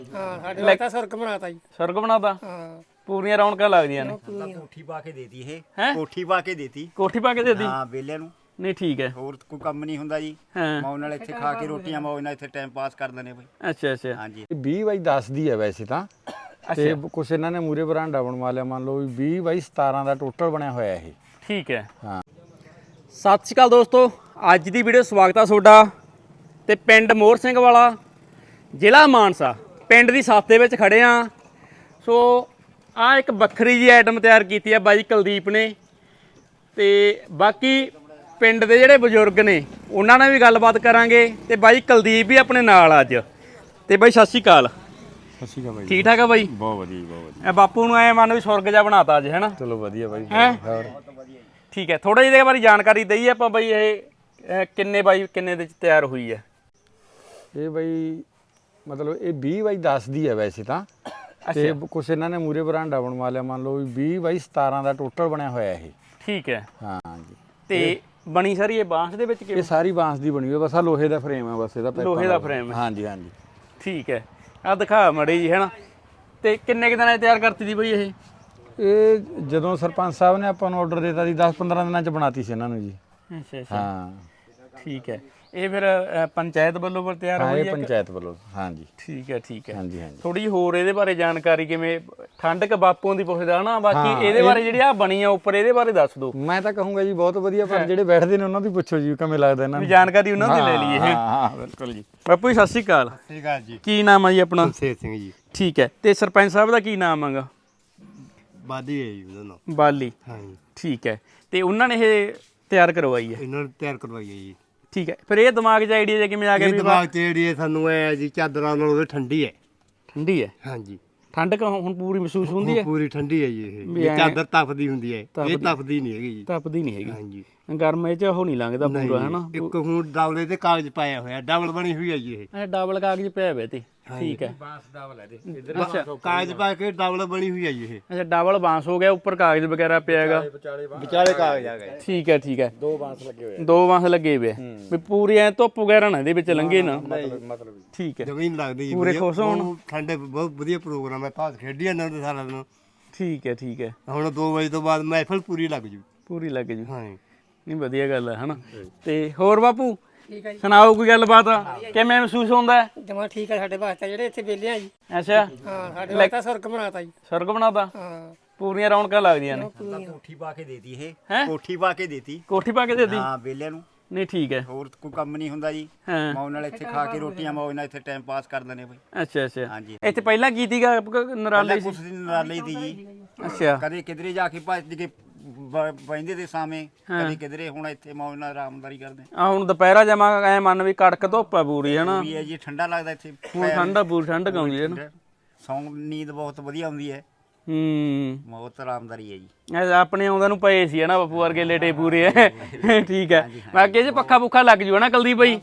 ਹਾਂ ਸਾਡੇ ਵਾਸਤਾ ਸੁਰਗ ਬਣਾਤਾ ਜੀ। ਸੁਰਗ ਬਣਾਤਾ। ਹਾਂ ਪੂਰੀਆਂ ਰੌਣਕਾਂ ਲੱਗਦੀਆਂ ਨੇ। ਕੋਠੀ ਪਾ ਕੇ ਦੇਤੀ ਇਹ ਹੈਂ? ਕੋਠੀ ਪਾ ਕੇ ਦੇਤੀ। ਕੋਠੀ ਪਾ ਕੇ ਦੇਦੀ। ਹਾਂ ਵਿਹਲਿਆਂ ਨੂੰ ਨਹੀਂ ਠੀਕ ਹੈ। ਹੋਰ ਕੋਈ ਕੰਮ ਨਹੀਂ ਹੁੰਦਾ ਜੀ। ਹਾਂ ਮੌਜ ਨਾਲ ਇੱਥੇ ਖਾ ਕੇ ਰੋਟੀਆਂ ਮੌਜ ਨਾਲ ਇੱਥੇ ਟਾਈਮ ਪਾਸ ਕਰ ਦਿੰਦੇ ਬਈ। ਅੱਛਾ ਅੱਛਾ। ਹਾਂਜੀ 20/10 ਦੀ ਹੈ ਵੈਸੇ ਤਾਂ ਤੇ ਕੁਛ ਇਹਨਾਂ ਨੇ ਮੂਰੇ ਬਰਾਂਡਾ ਬਣਵਾ ਲਿਆ, ਮੰਨ ਲਓ ਵੀ 20/17 ਦਾ ਟੋਟਲ ਬਣਿਆ ਹੋਇਆ ਇਹ। ਠੀਕ ਹੈ। ਹਾਂ ਸਤਿ ਸ਼੍ਰੀ ਅਕਾਲ ਦੋਸਤੋ, ਅੱਜ ਦੀ ਵੀਡੀਓ ਸਵਾਗਤ ਆ ਤੁਹਾਡਾ। ਤੇ ਪਿੰਡ ਮੋਹਰ ਸਿੰਘ ਵਾਲਾ, ਜ਼ਿਲ੍ਹਾ ਮਾਨਸਾ, ਪਿੰਡ ਦੀ ਸੱਥ ਦੇ ਵਿੱਚ ਖੜੇ ਆ। ਸੋ ਆ ਇੱਕ ਵੱਖਰੀ ਜੀ ਆਈਟਮ ਤਿਆਰ ਕੀਤੀ ਆ ਬਾਈ ਕੁਲਦੀਪ ਨੇ। ਤੇ ਬਾਕੀ ਪਿੰਡ ਦੇ ਜਿਹੜੇ ਬਜ਼ੁਰਗ ਨੇ ਉਹਨਾਂ ਨਾਲ ਵੀ ਗੱਲਬਾਤ ਕਰਾਂਗੇ। ਤੇ ਬਾਈ ਕੁਲਦੀਪ ਵੀ ਆਪਣੇ ਨਾਲ ਅੱਜ। ਤੇ ਬਾਈ ਸਤਿ ਸ਼੍ਰੀ ਅਕਾਲ। ਸਤਿ ਸ਼੍ਰੀ ਅਕਾਲ ਬਾਈ। ਠੀਕ ਠਾਕ ਆ ਬਾਈ? ਬਹੁਤ ਵਧੀਆ ਬਹੁਤ ਵਧੀਆ। ਇਹ ਬਾਪੂ ਨੂੰ ਐ ਮੰਨ ਵੀ ਸੁਰਗ ਜਿਹਾ ਬਣਾਤਾ ਅੱਜ, ਹੈਨਾ? ਚਲੋ ਵਧੀਆ ਬਾਈ। ਹੈਂ? ਹੋਰ ਠੀਕ ਹੈ, ਥੋੜਾ ਜਿਹੇ ਇਹਦੇ ਬਾਰੇ ਜਾਣਕਾਰੀ ਦਈਏ ਆਪਾਂ ਬਾਈ। ਇਹ ਕਿੰਨੇ ਬਾਈ ਕਿੰਨੇ ਦੇ ਚ ਤਿਆਰ ਹੋਈ ਹੈ? ਇਹ ਬਾਈ ਮਤਲਬ ਇਹ 20/10 ਦੀ ਹੈ ਵੈਸੇ ਤਾਂ ਤੇ ਕੁਛ ਇਹਨਾਂ ਨੇ ਮੂਰੇ ਬਰਾਂਡਾ ਬਣਵਾ ਲਿਆ, ਮੰਨ ਲਓ ਵੀ 20/17 ਦਾ ਟੋਟਲ ਬਣਿਆ ਹੋਇਆ ਇਹ। ਠੀਕ ਹੈ। ਹਾਂ ਜੀ। ਤੇ ਬਣੀ ਸਾਰੀ ਇਹ ਬਾਂਸ ਦੇ ਵਿੱਚ ਇਹ ਕਿਵੇਂ? ਸਾਰੀ ਬਾਂਸ ਦੀ ਬਣੀ ਹੋਈ, ਬਸ ਆ ਲੋਹੇ ਦਾ ਫਰੇਮ ਹੈ ਬਸ ਇਹਦਾ। ਲੋਹੇ ਦਾ frame ਹੈ। ਹਾਂਜੀ ਹਾਂਜੀ। ਠੀਕ ਹੈ, ਆ ਦਿਖਾ ਮੜੀ ਜੀ, ਹੈਨਾ? ਤੇ ਕਿੰਨੇ ਕੁ ਦਿਨਾਂ 'ਚ ਤਿਆਰ ਕਰਤੀ ਦੀ ਬਈ ਇਹ? ਇਹ ਜਦੋਂ ਸਰਪੰਚ ਸਾਹਿਬ ਨੇ ਆਪਾਂ ਨੂੰ ਆਰਡਰ ਦਿੱਤਾ ਸੀ 10-15 ਦਿਨਾਂ ਚ ਬਣਾਤੀ ਸੀ ਇਹਨਾਂ ਨੂੰ ਜੀ। ਅੱਛਾ ਅੱਛਾ। ਹਾਂ ਠੀਕ ਹੈ। ਇਹ ਫਿਰ ਪੰਚਾਇਤ ਵੱਲੋਂ ਫਿਰ ਤਿਆਰ ਹਾਂ ਹੋਈ ਇਹ ਹੈ? ਪੰਚਾਇਤ ਵੱਲੋਂ। ਹਾਂਜੀ ਠੀਕ ਹੈ ਠੀਕ ਹੈ। ਹਾਂਜੀ ਹਾਂਜੀ। ਥੋੜੀ ਜਿਹੀ ਹੋਰ ਇਹਦੇ ਬਾਰੇ ਜਾਣਕਾਰੀ, ਕਿਵੇਂ ਠੰਡਕ ਬਾਪੂਆਂ ਦੀ ਪੁੱਛਦਾ ਨਾ। ਬਾਕੀ ਇਹਦੇ ਬਾਰੇ ਜਿਹੜੀ ਆ ਬਣੀ ਆ ਉੱਪਰ, ਇਹਦੇ ਬਾਰੇ ਦੱਸ ਦਿਓ। ਮੈਂ ਤਾਂ ਕਹੂੰਗਾ ਜੀ ਬਹੁਤ ਵਧੀਆ, ਪਰ ਜਿਹੜੇ ਬੈਠਦੇ ਨੇ ਉਹਨਾਂ ਦੀ ਪੁੱਛੋ ਜੀ ਕਿਵੇਂ ਲੱਗਦਾ ਇਹਨਾਂ ਵੀ ਨੂੰ। ਜਾਣਕਾਰੀ ਉਹਨਾਂ ਦੀ ਲੈ ਲਈਏ। ਹਾਂ ਹਾਂ ਬਿਲਕੁਲ ਜੀ। ਬਾਪੂ ਜੀ ਸਤਿ ਸ਼੍ਰੀ ਅਕਾਲ। ਠੀਕ ਆ ਜੀ। ਕੀ ਨਾਮ ਆ ਜੀ ਆਪਣਾ? ਸੇਤ ਸਿੰਘ ਜੀ। ਠੀਕ ਹੈ। ਤੇ ਸਰਪੰਚ ਸਾਹਿਬ ਦਾ ਕੀ ਨਾਮ ਹੈਗਾ? ਬਾਦੀ ਹੈ ਜੀ ਉਹਨਾਂ ਨੂੰ। ਬਾਲੀ। ਹਾਂ ਜੀ ਠੀਕ ਹੈ। ਤੇ ਉਹਨਾਂ ਨੇ ਇਹ ਤਿਆਰ ਕਰਵਾਈ ਹੈ? ਇਹਨਾਂ ਨੂੰ ਤਿਆਰ ਕਰਵਾਈ ਹੈ ਜੀ। ਠੀਕ ਹੈ। ਫਿਰ ਇਹ ਦਿਮਾਗ 'ਚ ਆਈਡੀਆ ਕਿਵੇਂ ਆ ਗਿਆ ਇਹ ਵੀ ਦਿਮਾਗ ਤੇ ਜਿਹੜੀ ਹੈ ਸਾਨੂੰ ਐ ਜੀ ਚਾਦਰਾਂ ਨਾਲੋਂ ਠੰਡੀ ਹੈ। ਠੰਡੀ ਹੈ? ਹਾਂਜੀ ਠੰਡਕ ਹੁਣ ਪੂਰੀ ਮਹਿਸੂਸ ਹੁੰਦੀ ਹੈ? ਪੂਰੀ ਠੰਡੀ ਹੈ ਜੀ ਵੀ ਇਹ ਐਂ ਚਾਦਰ ਤਪਦੀ ਹੁੰਦੀ ਹੈ, ਇਹ ਤਪਦੀ ਨਹੀਂ ਹੈਗੀ ਜੀ। ਤਪਦੀ ਨਹੀਂ ਹੈਗੀ। ਹਾਂਜੀ ਗਰਮੇ 'ਚ ਉਹ ਨਹੀਂ ਲੰਘਦਾ ਪੂਰਾ, ਹੈਨਾ? ਇੱਕ ਹੁਣ ਡਬਲੇ ਤੇ ਕਾਗਜ਼ ਪਾਇਆ ਹੋਇਆ, ਡਬਲ ਬਣੀ ਹੋਈ ਹੈ ਜੀ ਇਹ। ਇਹ ਡਬਲ ਕਾਗਜ਼ ਪਿਆ ਹੋਇਆ ਤੇ। ਠੀਕ ਹੈ। ਅੱਛਾ ਕਾਗਜ਼ ਪਾ ਕੇ ਡਬਲ ਬਣੀ ਹੋਈ ਹੈ ਜੀ ਇਹ। ਅੱਛਾ, ਡਬਲ ਬਾਂਸ ਹੋ ਗਿਆ, ਉੱਪਰ ਕਾਗਜ਼ ਵਗੈਰਾ ਪਿਆ ਹੈਗਾ। ਵਿਚਾਲੇ ਕਾਗਜ਼ ਆ ਗਏ। ਠੀਕ ਹੈ ਠੀਕ ਹੈ। ਦੋ ਬਾਂਸ ਲੱਗੇ ਹੋਏ ਆ। ਵੀ ਪੂਰੀ ਐ ਧੁੱਪ ਵਗੈਰਾ ਨਾ ਇਹਦੇ ਵਿੱਚ ਲੰਘੇ ਨਾ। ਮਤਲਬ ਠੀਕ ਹੈ। ਜ਼ਮੀਨ ਲੱਗਦੀ ਜੀ। ਪੂਰੇ ਖੁਸ਼ ਹੋਣ। ਬਹੁਤ ਠੰਡੇ ਬਹੁਤ ਵਧੀਆ ਪ੍ਰੋਗਰਾਮ ਹੈ। ਭਾਸ ਖੇਡੀ ਜਾਂਦੇ ਹੁੰਦੇ ਸਾਰਾ ਦਿਨ। ਠੀਕ ਹੈ ਠੀਕ ਹੈ। ਹੁਣ 2 ਵਜੇ ਤੋਂ ਬਾਅਦ ਮਹਿਫਲ ਪੂਰੀ ਲੱਗ ਜੂ। ਪੂਰੀ ਲੱਗ ਜੂ। ਹਾਂ ਨਹੀਂ ਵਧੀਆ ਗੱਲ ਹੈ, ਹਨਾ? ਤੇ ਹੋਰ ਬਾਪੂ ਠੀਕ ਹੈ ਜੀ। ਸੁਣਾਓ ਕੋਈ ਗੱਲਬਾਤ, ਕਿਵੇਂ ਮਹਿਸੂਸ ਹੁੰਦਾ ਹੈ? ਜਮਾ ਠੀਕ ਹੈ ਸਾਡੇ ਵਾਸਤੇ, ਜਿਹੜੇ ਇੱਥੇ ਵਿਹਲੇ ਆ ਜੀ। ਅੱਛਾ, ਹਾਂ ਸਾਡੇ ਵਾਸਤਾ ਸੁਰਗ ਬਣਾਤਾ ਜੀ। ਸੁਰਗ ਬਣਾਤਾ। ਹਾਂ ਪੂਰੀਆਂ ਰੌਣਕਾਂ ਲੱਗਦੀਆਂ ਨੇ। ਕੋਠੀ ਪਾ ਕੇ ਦੇਤੀ ਇਹ ਹੈਂ? ਕੋਠੀ ਪਾ ਕੇ ਦੇਤੀ। ਕੋਠੀ ਪਾ ਕੇ ਦੇਦੀ। ਹਾਂ ਵਿਹਲਿਆਂ ਨੂੰ ਨਹੀਂ ਠੀਕ ਹੈ। ਹੋਰ ਕੋਈ ਕੰਮ ਨਹੀਂ ਹੁੰਦਾ ਜੀ। ਹਾਂ। ਮੌਜ ਨਾਲ ਇੱਥੇ ਖਾ ਕੇ ਰੋਟੀਆਂ ਮੌਜ ਨਾਲ ਇੱਥੇ ਟਾਈਮ ਪਾਸ ਕਰ ਦਿੰਦੇ ਬਈ। ਅੱਛਾ ਅੱਛਾ। ਹਾਂਜੀ ਇੱਥੇ ਪਹਿਲਾਂ ਕੀ ਸੀਗਾ ਨਰਾਲੇ ਸੀ? ਕੁਛ ਦਿਨ ਨਰਾਲੇ ਦੀ ਜੀ। ਅੱਛਾ ਕਦੇ ਕਿਧਰੇ ਜਾ ਕੇ ਭੱਜ ਕੇ ਬੈਂਦੇ ਦੇ ਸਾਵੇਂ, ਕਦੇ ਕਿਧਰੇ। ਹੁਣ ਇੱਥੇ ਮੌਜ ਨਾਲ ਆਰਾਮਦਾਰੀ ਕਰਦੇ ਆ ਹੁਣ ਦੁਪਹਿਰਾ ਜਮਾ ਐ ਮੰਨ ਵੀ ਕੜਕ ਧੁੱਪ ਆ ਪੂਰੀ, ਹਨਾ? ਵੀ ਹੈ ਜੀ। ਠੰਡਾ ਲੱਗਦਾ ਇੱਥੇ। ਹੁਣ ਠੰਡਾ ਪੂਰੀ ਠੰਡਕ ਆਉਂਦੀ ਹੈ ਨਾ। ਸੌਂ ਨੀਂਦ ਬਹੁਤ ਵਧੀਆ ਆਉਂਦੀ ਹੈ। ਹੂੰ। ਬਹੁਤ ਆਰਾਮਦਾਰੀ ਹੈ ਜੀ। ਇਹ ਆਪਣੇ ਆਉਂਦਾ ਨੂੰ ਪਏ ਸੀ, ਹਨਾ? ਬਾਪੂ ਵਰਗੇ ਲੇਟੇ ਪੂਰੇ ਐ। ਠੀਕ ਹੈ। ਬਾਕੀ ਇਹ 'ਚ ਪੱਖਾ ਪੁੱਖਾ ਲੱਗ ਜੂ, ਹਨਾ ਕੁਲਦੀਪ ਬਾਈ?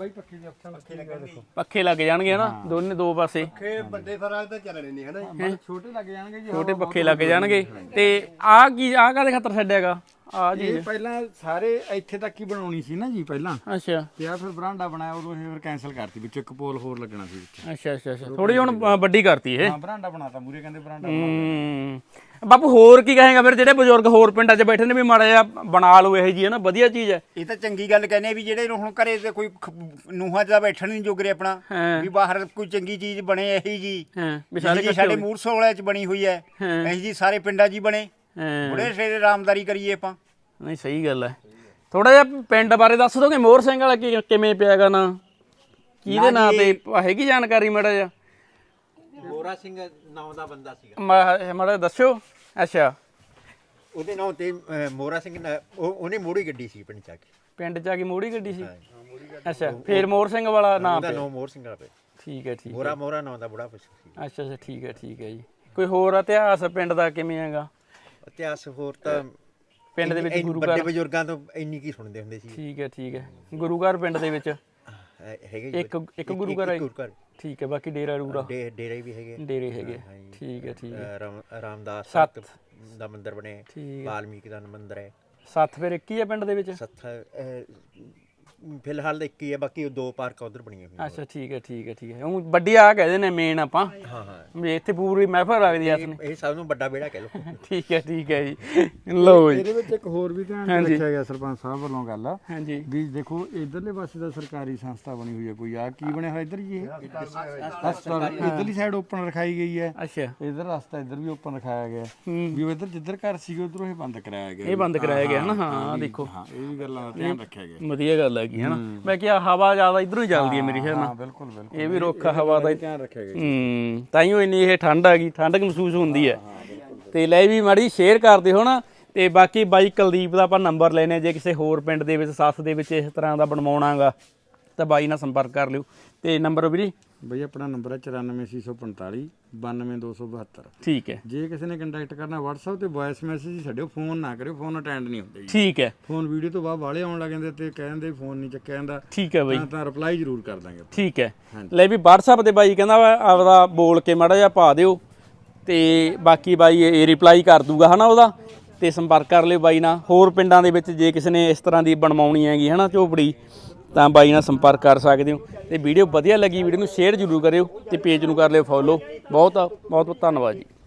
ਪੱਖੇ ਲੱਗ ਜਾਣਗੇ, ਹਨਾ? ਦੋਨੇ ਦੋ ਪਾਸੇ ਵੱਡੇ ਫਰਾਜ ਤਾਂ ਚੱਲਣੇ ਨਹੀਂ ਹਨਾ। ਛੋਟੇ ਲੱਗ ਜਾਣਗੇ ਜੀ। ਛੋਟੇ ਪੱਖੇ ਲੱਗ ਜਾਣਗੇ। ਤੇ ਆਹ ਕੀ, ਆਹ ਕਾਹਦੇ ਖਾਤਰ ਛੱਡਿਆਗਾ ਆ ਜੀ? ਇਹ ਪਹਿਲਾਂ ਸਾਰੇ ਇੱਥੇ ਤੱਕ ਹੀ ਬਣਾਉਣੀ ਸੀ ਨਾ ਜੀ ਪਹਿਲਾਂ, ਅੱਛਾ ਤੇ ਆ ਫਿਰ ਬਰਾਂਡਾ ਬਣਾਇਆ, ਉਦੋਂ ਇਹ ਫਿਰ ਕੈਨਸਲ ਕਰਤੀ, ਵਿੱਚ ਇੱਕ ਪੋਲ ਹੋਰ ਲੱਗਣਾ ਸੀ ਵਿੱਚ। ਅੱਛਾ ਅੱਛਾ ਅੱਛਾ। ਥੋੜੀ ਹੁਣ ਵੱਡੀ ਕਰਤੀ ਇਹ। ਹਾਂ ਬਰਾਂਡਾ ਬਣਾਤਾ, ਮੂਰੇ ਕਹਿੰਦੇ ਬਰਾਂਡਾ। ਬਾਪੂ ਹੋਰ ਕੀ ਕਹੇਗਾ ਫਿਰ, ਜਿਹੜੇ ਬਜ਼ੁਰਗ ਹੋਰ ਪਿੰਡਾਂ 'ਚ ਬੈਠੇ ਨੇ, ਵੀ ਮਾੜਾ ਜਿਹਾ ਬਣਾ ਲਓ ਇਹ ਜੀ, ਹੈ ਨਾ? ਵਧੀਆ ਚੀਜ਼ ਹੈ। ਇਹ ਤਾਂ ਚੰਗੀ ਗੱਲ ਕਹਿੰਦੇ ਵੀ ਜਿਹੜੇ ਹੁਣ ਘਰੇ ਤੇ ਕੋਈ ਨੂੰਹਾਂ ਦਾ ਬੈਠਣ ਨਹੀਂ ਜੋਗਰੇ ਆਪਣਾ, ਹਾਂ ਵੀ ਬਾਹਰ ਕੋਈ ਚੰਗੀ ਚੀਜ਼ ਬਣੇ ਇਹੀ ਜੀ। ਹਾਂ ਵੀ ਸਾਰੇ ਸਾਰੇ ਸਾਡੇ ਮੂਰਸੋਲੇ ਚ ਬਣੀ ਹੋਈ ਹੈ ਇਹੀ ਜੀ, ਸਾਰੇ ਪਿੰਡਾਂ 'ਚ ਹੀ ਬਣੇ। ਹਾਂ ਬੜੇ ਸੇਰੇ ਆਰਾਮਦਾਰੀ ਕਰੀਏ ਆਪਾਂ। ਨਹੀਂ ਸਹੀ ਗੱਲ ਹੈ। ਥੋੜਾ ਜਿਹਾ ਪਿੰਡ ਬਾਰੇ ਦੱਸ ਦੋਗੇ? ਮੋਹਰ ਸਿੰਘ ਵਾਲਾ ਕਿਵੇਂ ਪਿਆਗਾ ਨਾ? ਕਿਹਦੇ ਨਾਂ ਤੇ ਹੈਗੀ ਜਾਣਕਾਰੀ ਮਾੜਾ ਜਿਹਾ? ਮੋਹਰਾ ਸਿੰਘ ਨਾਮ ਦਾ ਬੰਦਾ ਸੀਗਾ। ਮਾੜਾ ਦੱਸਿਓ। ਅੱਛਾ, ਉਹਦੇ ਨਾਂ ਤੇ ਮੋਹਰਾ ਸਿੰਘ ਉਹਨੇ ਮੋੜੀ ਗੱਡੀ ਸੀ ਪਿੰਡ ਚ ਆ ਕੇ। ਪਿੰਡ 'ਚ ਆ ਕੇ ਮੋੜੀ ਗੱਡੀ ਸੀ? ਅੱਛਾ, ਫੇਰ ਮੋਹਰ ਸਿੰਘ ਵਾਲਾ ਨਾਮ ਉਹਦਾ ਪਿਆ। ਨਾਮ ਮੋਹਰ ਸਿੰਘ ਆ ਪਿਆ। ਠੀਕ ਹੈ ਠੀਕ ਹੈ। ਮੋਹਰਾ ਨਾਂ ਦਾ ਬੜਾ ਕੁਛ ਸੀ। ਅੱਛਾ ਅੱਛਾ ਠੀਕ ਹੈ ਜੀ। ਕੋਈ ਹੋਰ ਇਤਿਹਾਸ ਪਿੰਡ ਦਾ ਕਿਵੇਂ ਹੈਗਾ? ਇਤਿਹਾਸ ਹੋਰ ਤਾਂ ਪਿੰਡ ਦੇ ਵਿੱਚ ਗੁਰੂ ਵੱਡੇ ਘਰ? ਬਜ਼ੁਰਗਾਂ ਤੋਂ ਇੰਨੀ ਕੀ ਸੁਣਦੇ ਹੁੰਦੇ ਸੀ। ਠੀਕ ਹੈ। ਗੁਰੂ ਘਰ ਪਿੰਡ ਦੇ ਵਿੱਚ ਹੈਗੇ ਜੀ। ਇੱਕ ਗੁਰੂ ਘਰ ਹੈ? ਗੁਰੂ ਘਰ। ਠੀਕ ਹੈ। ਬਾਕੀ ਡੇਰਾ ਰੂਰਾ? ਡੇਰੇ ਵੀ ਹੈਗੇ। ਡੇਰੇ ਹੈਗੇ। ਠੀਕ ਹੈ। ਰਾਮਦਾਸ ਸੱਤ ਦਾ ਮੰਦਿਰ ਬਣਿਆ। ਠੀਕ ਹੈ। ਵਾਲਮੀਕ ਦਾ ਮੰਦਿਰ ਹੈ। ਸੱਤ ਫਿਰ ਇੱਕ ਹੀ ਹੈ ਪਿੰਡ ਦੇ ਵਿੱਚ? ਸੱਥ ਫਿਲਹਾਲ ਤਾਂ ਇੱਕ ਹੀ ਹੈ, ਬਾਕੀ ਉਹ 2 ਪਾਰਕ ਉਧਰ ਬਣੀਆਂ ਹੋਈਆਂ। ਅੱਛਾ ਠੀਕ ਹੈ ਉਹ ਵੱਡੀ ਆ ਕਹਿੰਦੇ ਨੇ ਮੇਨ ਆਪਾਂ ਹਾਂ ਹਾਂ, ਵੀ ਇੱਥੇ ਪੂਰੀ ਮਹਿਫਲ ਲੱਗਦੀ ਐ ਇਸ ਨੇ ਇਹ ਸਭ ਨੂੰ ਵੱਡਾ ਵਿਹੜਾ ਕਹਿ ਲਓ। ਠੀਕ ਹੈ ਜੀ ਲਓ ਜੀ ਇਹਦੇ ਵਿੱਚ ਇੱਕ ਹੋਰ ਵੀ ਧਿਆਨ 'ਚ ਰੱਖਿਆ ਗਿਆ ਸਰਪੰਚ ਸਾਹਿਬ ਵੱਲੋਂ ਗੱਲ ਹਾਂਜੀ ਵੀ ਦੇਖੋ ਇਧਰਲੇ ਪਾਸੇ ਦਾ ਸਰਕਾਰੀ ਸੰਸਥਾ ਬਣੀ ਹੋਈ ਹੈ ਕੋਈ ਆ ਕੀ ਬਣਿਆ ਹੋਇਆ ਇੱਧਰ ਜੀ ਇਹ ਹਸਪਤਾਲ ਇਧਰਲੀ ਸਾਈਡ ਓਪਨ ਰਖਾਈ ਗਈ ਹੈ, ਅੱਛਾ ਇਧਰ ਰਸਤਾ ਇਧਰ ਵੀ ਓਪਨ ਰਖਾਇਆ ਗਿਆ ਵੀ ਉਹ ਇਧਰ ਜਿੱਧਰ ਘਰ ਸੀਗੇ ਉਧਰੋਂ ਇਹ ਬੰਦ ਕਰਾਇਆ ਗਿਆ। ਇਹ ਬੰਦ ਕਰਾਇਆ ਗਿਆ ਨਾ ਹਾਂ ਦੇਖੋ ਹਾਂ ਇਹ ਵੀ ਗੱਲਾਂ ਦਾ ਧਿਆਨ ਰੱਖਿਆ ਗਿਆ। ਵਧੀਆ ਗੱਲ ਹੈਗੀ ਹੈ ਨਾ ਮੈਂ ਕਿਹਾ ਹਵਾ ਜ਼ਿਆਦਾ ਇਧਰੋਂ ਹੀ ਚੱਲਦੀ ਹੈ ਮੇਰੀ ਖਿਆਲ ਹਾਂ ਨਾਲ ਬਿਲਕੁਲ ਬਿਲਕੁਲ ਇਹ ਵੀ ਰੁੱਖ ਹਵਾ ਦਾ ਧਿਆਨ ਰੱਖਿਆ ਗਿਆ। ਤਾਈਓ ਇੰਨੀ ਇਹ ਠੰਡ ਆ ਗਈ ਠੰਡਕ ਮਹਿਸੂਸ ਹੁੰਦੀ ਹੈ ਤੇ ਲੈ ਵੀ ਮਾੜੀ ਸ਼ੇਅਰ ਕਰਦੇ ਹੋ ਨਾ ਤੇ ਬਾਕੀ ਬਾਈ ਕੁਲਦੀਪ ਦਾ ਆਪਾਂ ਨੰਬਰ ਲੈਨੇ ਜੇ ਕਿਸੇ ਹੋਰ ਪਿੰਡ ਦੇ ਵਿੱਚ ਸੱਸ ਦੇ ਵਿੱਚ ਇਸ ਤਰ੍ਹਾਂ ਦਾ ਬਣਵਾਉਣਾਗਾ ਤਾਂ ਬਾਈ ਨਾਲ ਸੰਪਰਕ ਕਰ ਲਿਓ ਤੇ ਨੰਬਰ ਵੀਰੇ ਬਈ ਆਪਣਾ ਨੰਬਰ ਹੈ 9445 92272। ਠੀਕ ਹੈ ਜੇ ਕਿਸੇ ਨੇ ਕੰਟੈਕਟ ਕਰਨਾ WhatsApp ਤੇ ਵੌਇਸ ਮੈਸੇਜ ਹੀ ਛੱਡਿਓ, ਫੋਨ ਨਾ ਕਰਿਓ, ਫੋਨ ਅਟੈਂਡ ਨਹੀਂ ਹੁੰਦੇ ਜੀ। ਠੀਕ ਹੈ ਫੋਨ ਵੀਡੀਓ ਤੋਂ ਬਾਅਦ ਵਾਲੇ ਆਉਣ ਲੱਗ ਜਾਂਦੇ ਤੇ ਕਹਿੰਦੇ ਫੋਨ ਨਹੀਂ ਚੱਕਿਆ ਜਾਂਦਾ ਠੀਕ ਹੈ ਬਾਈ ਤਾਂ ਰਿਪਲਾਈ ਜ਼ਰੂਰ ਕਰ ਦਾਂਗੇ। ਠੀਕ ਹੈ ਲੈ ਵੀ WhatsApp ਤੇ ਬਾਈ ਕਹਿੰਦਾ ਵਾ ਆਪਦਾ ਬੋਲ ਕੇ ਮਾੜਾ ਜਿਹਾ ਪਾ ਦਿਓ ਤੇ ਬਾਕੀ ਬਾਈ ਇਹ ਰਿਪਲਾਈ ਕਰ ਦੂਗਾ ਹਨਾ ਉਹਦਾ ਤੇ ਸੰਪਰਕ ਕਰ ਲਿਓ ਬਾਈ ਨਾਲ। ਹੋਰ ਪਿੰਡਾਂ ਦੇ ਵਿੱਚ ਜੇ ਕਿਸੇ ਨੇ ਇਸ ਤਰ੍ਹਾਂ ਦੀ ਬਣਵਾਉਣੀ ਹੈਗੀ ਹਨਾ ਝੋਪੜੀ ਤਾਂ ਬਾਈ ਨਾਲ ਸੰਪਰਕ ਕਰ ਸਕਦੇ ਹੋ ਤੇ ਵੀਡੀਓ ਵਧੀਆ ਲੱਗੀ ਵੀਡੀਓ ਨੂੰ ਸ਼ੇਅਰ ਜ਼ਰੂਰ ਕਰਿਓ ਤੇ ਪੇਜ ਨੂੰ ਕਰ ਲਿਓ ਫੋਲੋ। ਬਹੁਤ ਬਹੁਤ ਧੰਨਵਾਦ ਜੀ।